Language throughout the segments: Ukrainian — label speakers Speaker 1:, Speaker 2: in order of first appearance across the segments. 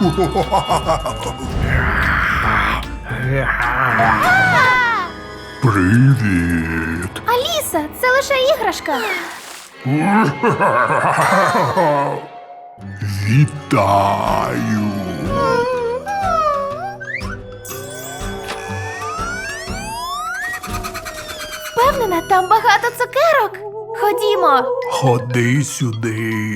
Speaker 1: Привіт.
Speaker 2: Аліса, це лише іграшка.
Speaker 1: Вітаю.
Speaker 2: Впевнена, там багато цукерок. Ходімо.
Speaker 1: Ходи сюди.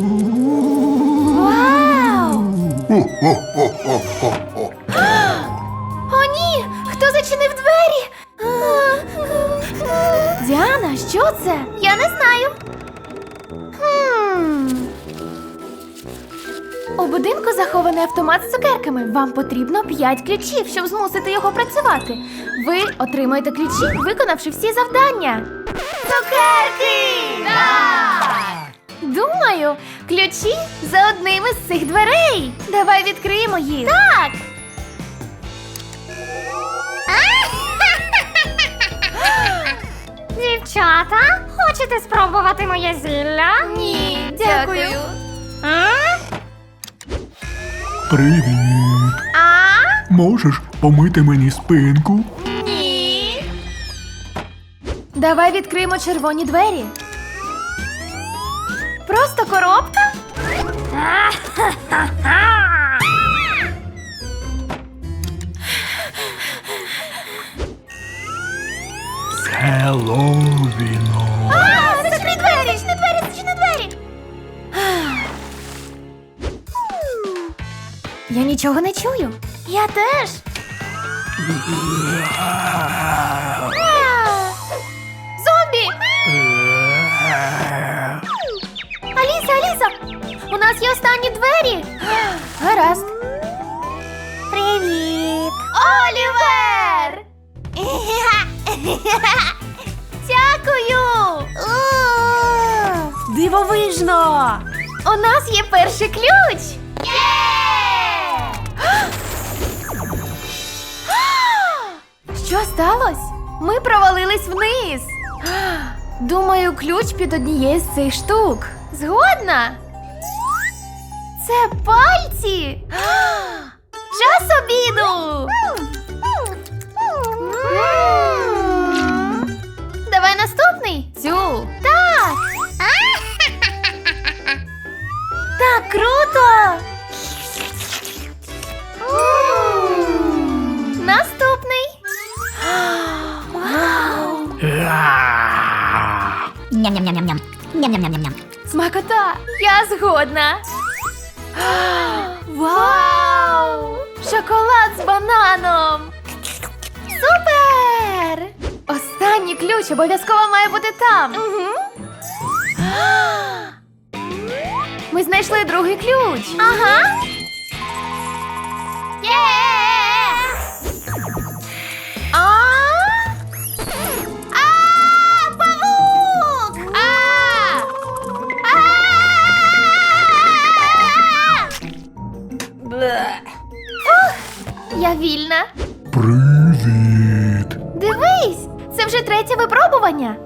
Speaker 2: Вау!
Speaker 1: Хо-хо-хо-хо-хо.
Speaker 2: О, ні! Хто зачинив двері? Діана, що це? Я не знаю. У будинку захований автомат з цукерками. Вам потрібно 5 ключів, щоб змусити його працювати. Ви отримаєте ключі, виконавши всі завдання. Цукерки! Так! Думаю, ключі за одним із цих дверей. Давай відкриємо їх. Так!
Speaker 3: Дівчата, хочете спробувати моє зілля?
Speaker 2: Ні, дякую.
Speaker 1: Привіт. Можеш помити мені спинку?
Speaker 2: Ні. Давай відкриємо червоні двері. Просто коробка?
Speaker 1: З Хеллоуіном.
Speaker 2: Зачни двері! Зачни двері! Зачни двері! Я нічого не чую. Я теж. Зомбі! Аліса, Аліса! У нас є останні двері. Гаразд.
Speaker 3: Привіт!
Speaker 2: Олівер! Дякую! Дивовижно! У нас є перший ключ! Що сталося? Ми провалились вниз. Думаю, ключ під однією з цих штук. Згодна? Це пальці! Час обіду! Давай наступний. Цю. Так. Так круто. Наступний. Вау.
Speaker 3: Ням-ням-ням-ням-ням. Ням-ням-ням-ням-ням.
Speaker 2: Смакота. Я згодна. Вау! Шоколад з бананом. Супер! Останній ключ обов'язково має бути там. Ми знайшли другий ключ. Ага. Є! Павук! Я вільна.
Speaker 1: Привіт.
Speaker 2: Дивись, це вже третє випробування.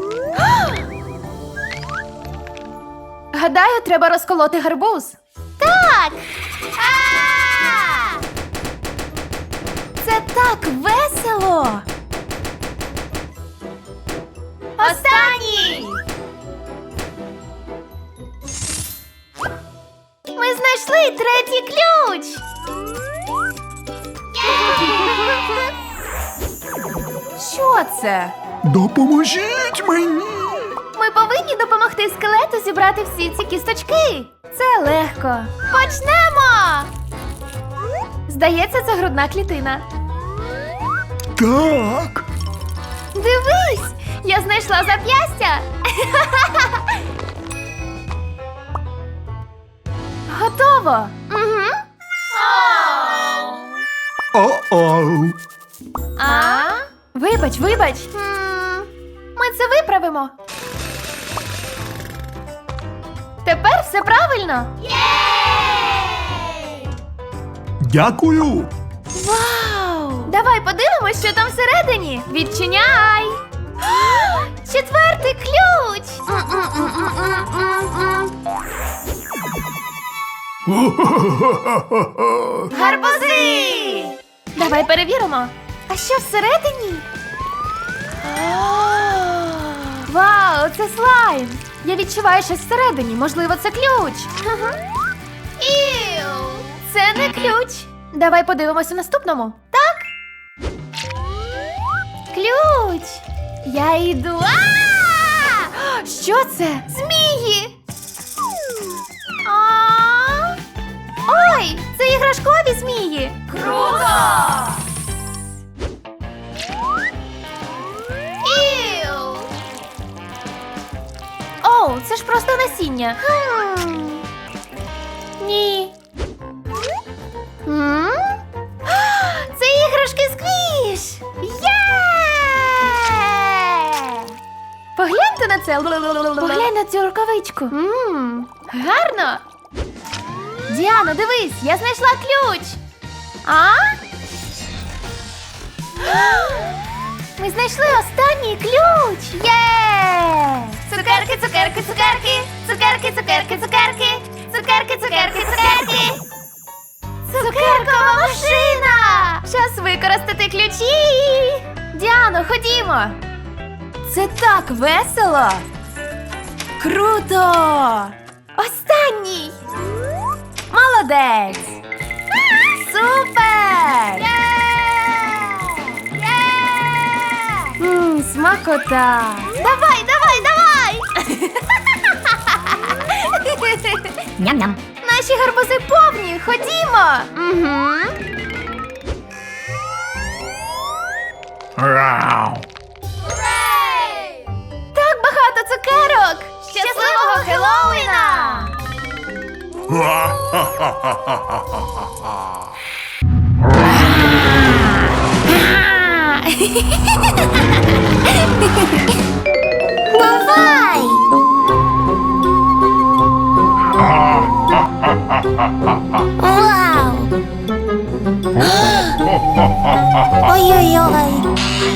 Speaker 2: Гадаю, треба розколоти гарбуз. Так! Це так весело! Останній! Ми знайшли третій ключ! Що це?
Speaker 1: Допоможіть мені.
Speaker 2: Ми повинні допомогти скелету зібрати всі ці кісточки. Це легко. Почнемо! Здається, це грудна клітина.
Speaker 1: Так.
Speaker 2: Дивись! Я знайшла зап'ястя! Готово! Угу.
Speaker 1: О-оу.
Speaker 2: Вибач, вибач. Ми це виправимо. Тепер все правильно.
Speaker 1: Дякую.
Speaker 2: Вау! Давай подивимось, що там всередині. Відчиняй! Четвертий ключ! Гарбузи! Давай перевіримо. А що всередині? Вау, це слайм! Я відчуваю щось всередині. Можливо, це ключ. Іу! Це не ключ. Давай подивимося в наступному. Так? Ключ! Я йду. Що це? Змії! Ой, це іграшкові змії! Круто! Іу! Оу, це ж просто насіння. Ні. Це іграшки сквіш! Погляньте на це. Поглянь на цю рукавичку. Гарно. Діано, дивись, я знайшла ключ. Ми знайшли останній ключ. Є! Цукерки, цукерки, цукерки. Цукерки, цукерки, цукерки. Цукерки, цукерки, цукерки. Цукеркова машина! Час використати ключі. Діано, ходімо. Це так весело. Круто! Останній. Молодець! Супер! Смакота! Давай, давай, давай!
Speaker 3: Ням-ням.
Speaker 2: Наші гарбузи повні, ходімо! Угу. Так багато цукерок! Щасливого Хеллоуіна! Бувай! Вау! Ой-ой-ой!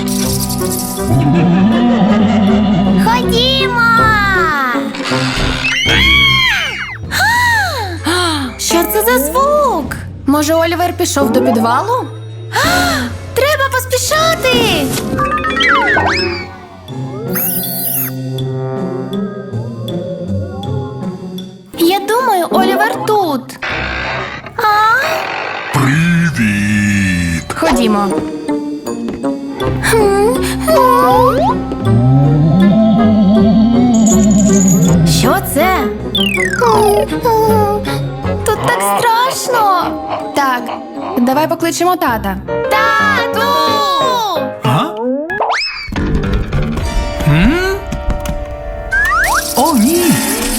Speaker 2: Ходімо! Що це за звук? Може, Олівер пішов до підвалу? Треба поспішати! Я думаю, Олівер тут.
Speaker 1: Привіт!
Speaker 2: Ходімо. Що це? Тут так страшно. Так, давай покличемо тата. Тату!
Speaker 4: А? О, ні!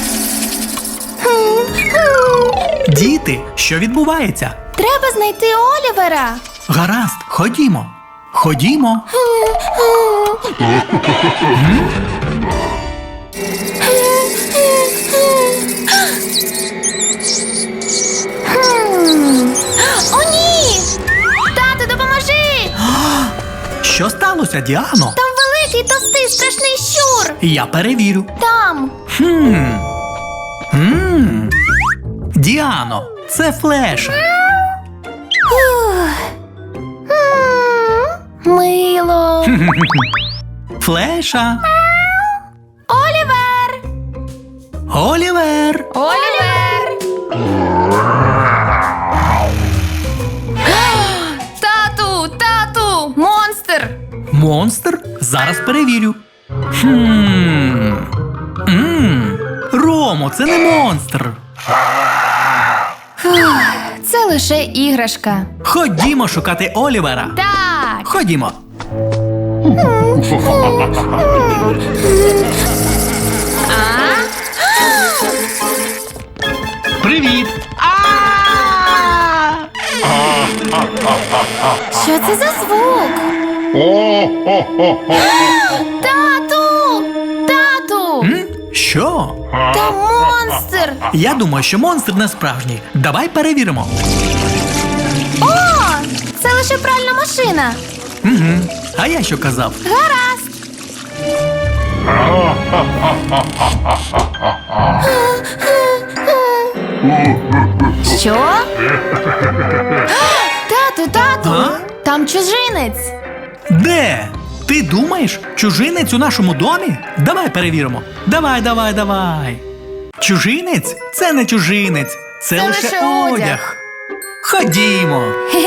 Speaker 4: Діти, що відбувається?
Speaker 2: Треба знайти Олівера.
Speaker 4: Гаразд, ходімо. Ходімо.
Speaker 2: О, ні! Тату, допоможи!
Speaker 4: Що сталося, Діано?
Speaker 2: Там великий, товстий, страшний щур!
Speaker 4: Я перевірю.
Speaker 2: Там!
Speaker 4: Діано, це Флеш.
Speaker 2: Мило!
Speaker 4: Флеша.
Speaker 2: Олівер!
Speaker 4: Олівер.
Speaker 2: Олівер! Тату! Тату! Монстр!
Speaker 4: Монстр? Зараз перевірю. Ромо, це не монстр.
Speaker 2: Це лише іграшка.
Speaker 4: Ходімо шукати Олівера.
Speaker 2: Так!
Speaker 4: Ходімо. Привіт.
Speaker 2: Що це за звук? Тату! Тату!
Speaker 4: Що?
Speaker 2: Там монстр!
Speaker 4: Я думаю, що монстр не справжній. Давай перевіримо.
Speaker 2: О! Це лише пральна машина.
Speaker 4: А я що казав?
Speaker 2: Гаразд. Що? Тату!
Speaker 4: А?
Speaker 2: Там чужинець.
Speaker 4: Де? Ти думаєш, чужинець у нашому домі? Давай перевіримо. Давай. Чужинець? Це не чужинець. Це лише
Speaker 2: лише
Speaker 4: одяг.
Speaker 2: одяг.
Speaker 4: Ходімо.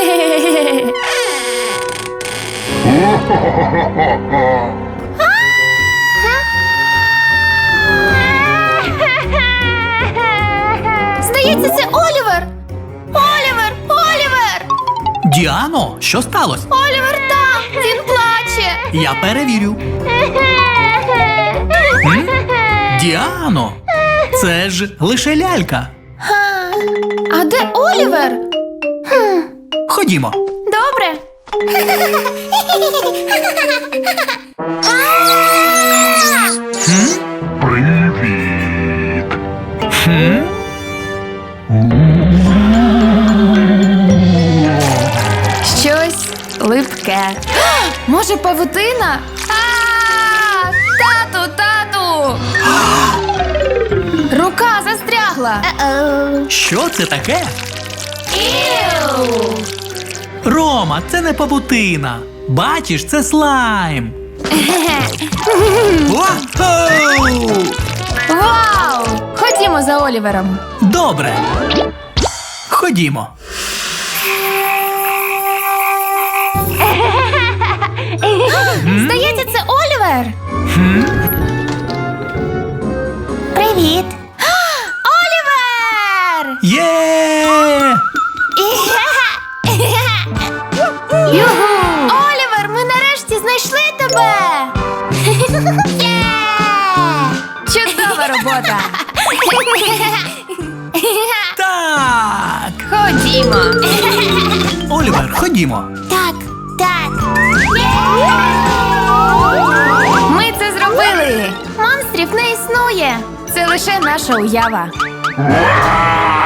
Speaker 2: Здається, це Олівер! Олівер!
Speaker 4: Діано, що сталося?
Speaker 2: Олівер там! Він плаче!
Speaker 4: Я перевірю. М? Діано, це ж лише лялька.
Speaker 2: А де Олівер?
Speaker 4: Ходімо.
Speaker 2: Добре.
Speaker 1: Привіт.
Speaker 2: Щось липке. Може, павутина? Тату! Рука застрягла.
Speaker 4: Що це таке?
Speaker 2: Іу!
Speaker 4: Рома, це не павутина. Бачиш, це слайм. Вау!
Speaker 2: Вау! Ходімо за Олівером.
Speaker 4: Добре. Ходімо.
Speaker 2: Здається, це Олівер.
Speaker 3: Привіт.
Speaker 2: Олівер!
Speaker 4: Є!
Speaker 2: Олівер, ми нарешті знайшли тебе! Чудова робота!
Speaker 4: Так!
Speaker 2: Ходімо!
Speaker 4: Олівер, ходімо.
Speaker 3: Так.
Speaker 2: Ми це зробили! Монстрів не існує! Це лише наша уява.